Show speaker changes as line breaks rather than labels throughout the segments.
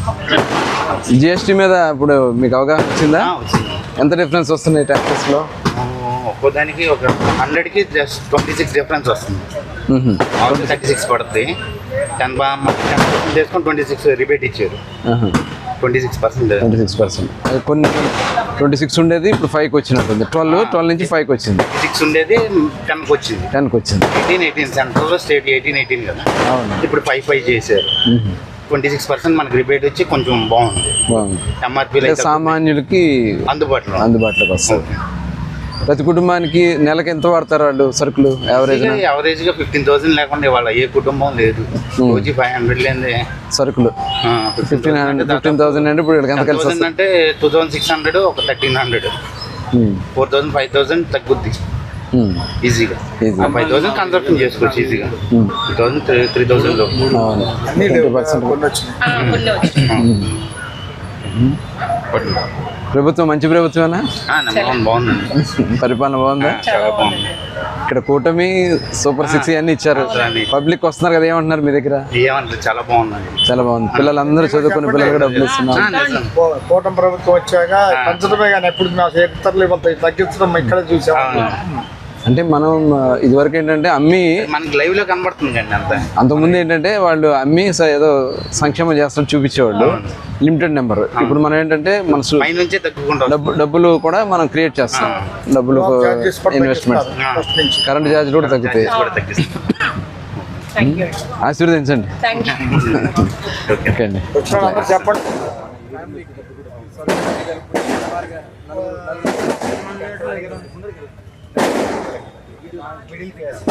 GST మీద ఇప్పుడు మీకు అవగాహన వచ్చిందా? ఎంత డిఫరెన్స్ వస్తున్నాయి ట్యాక్సెస్లో?
ఒక్కోదానికి ఒక 100కి జస్ట్ 26 డిఫరెన్స్ వస్తుంది. 36 పడుతుంది. 10% చేసుకొని 26 రిబేట్ ఇచ్చారు. 26%.
కొన్ని 26 ఉండేది ఇప్పుడు 5కి వచ్చినట్టుంది. 12 నుంచి 5కి వచ్చింది.
6 ఉండేది 10కి వచ్చింది. 18 సెంట్రల్ స్టేట్ 18 కదా. ఇప్పుడు 5 చేశారు. 26% మనకి రిబేట్ వచ్చి కొంచెం బాగుంది. ఎంఆర్పీ
సామాన్యులకి అందుబాటులోకి వస్తుంది. ప్రతి కుటుంబానికి నెలకి ఎంత వాడతారు వాళ్ళు సరుకులు?
యావరేజ్గా 15,000 లేకుండా ఇవాళ ఏ కుటుంబం లేదు. రోజు 500 లేని
సరుకులు 15,000 అంటే ఇప్పుడు ఎంత కలిసి
అంటే 2,600 ఒక 1,300 4,000 5,000 తగ్గుద్ది ఈజీగా. 5,000 కన్సప్షన్ చేసుకోవచ్చు ఈజీగా. 2,000 3,000
ప్రభుత్వం మంచి ప్రభుత్వమేనా?
బాగుందండి.
పరిపాలన బాగుందా?
చాలా బాగుంది.
ఇక్కడ కూటమి సూపర్ 6 అన్ని ఇచ్చారు. పబ్లిక్ వస్తున్నారు కదా, ఏమంటున్నారు మీ దగ్గర?
ఏమంటారు, చాలా బాగుందండి.
చాలా బాగుంది. పిల్లలందరూ చదువుకునే పిల్లలు కూడా డబ్బులు ఇస్తున్నారు.
కూటమి ప్రభుత్వం వచ్చాక పంచడమే కానీ ఎప్పుడు తగ్గించడం ఇక్కడ చూసాం.
అంటే మనం ఇదివరకు ఏంటంటే అమ్మి
మనకి లైవ్ లో కనబడుతుంది అండి.
అంతకుముందు ఏంటంటే వాళ్ళు అమ్మి ఏదో సంక్షేమం చేస్తాడు చూపించేవాళ్ళు, లిమిటెడ్ నెంబర్. ఇప్పుడు మనం ఏంటంటే మన డబ్బులు కూడా మనం క్రియేట్ చేస్తాం. డబ్బులు ఇన్వెస్ట్మెంట్, కరెంట్ ఛార్జ్ కూడా తగ్గుతాయి. ఆశీర్వదించండి. ఓకే అండి.
చెప్పండి. మిడిల్ క్లాస్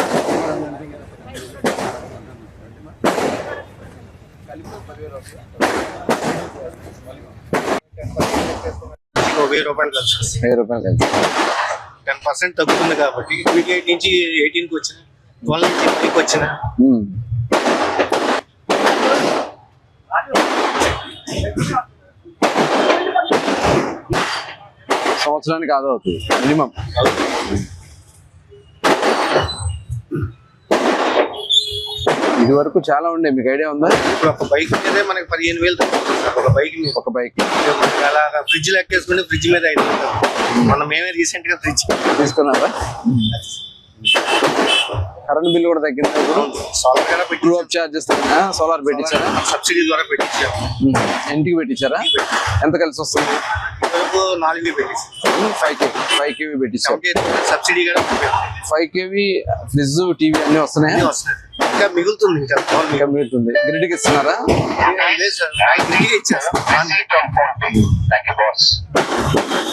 1000 రూపాయలు కలిసి 10% తగ్గుతుంది కాబట్టి 28 నుంచి 18కి వచ్చిన 12 నుంచి 5కి వచ్చిన
సంవత్సరానికి ఆదా అవుతుంది మినిమం. ఇది వరకు చాలా ఉండే, మీకు ఐడియా ఉందా?
ఇప్పుడు ఒక బైక్ మీదే మనకి 15,000 తగ్గుతుంది. ఒక బైక్ అలాగా ఫ్రిడ్జ్ లెక్కేసుకుంటే ఫ్రిడ్జ్ మీద 5,000. మనం మేమే రీసెంట్ గా ఫ్రిడ్జ్
తీసుకున్నారా? కరెంట్ బిల్ కూడా తగ్గింది.
Solar
true up charges solar పెట్టించారా?
సబ్సిడీ ద్వారా పెట్టించారు.
ఇంటికి పెట్టించారా? ఎంత కలిసి వస్తుంది?
4 పెట్టించారు.
5 kV పెట్టించారు.
సబ్సిడీ కూడా
5 kV ఫ్రిడ్జ్ టీవీ అన్ని వస్తున్నాయి.
ఇంకా మిగులుతుంది.
ఇంకా మిగులుతుంది. గ్రిడ్కి ఇస్తున్నారా?
లేదు సార్, గ్రిడ్కి ఇచ్చారు.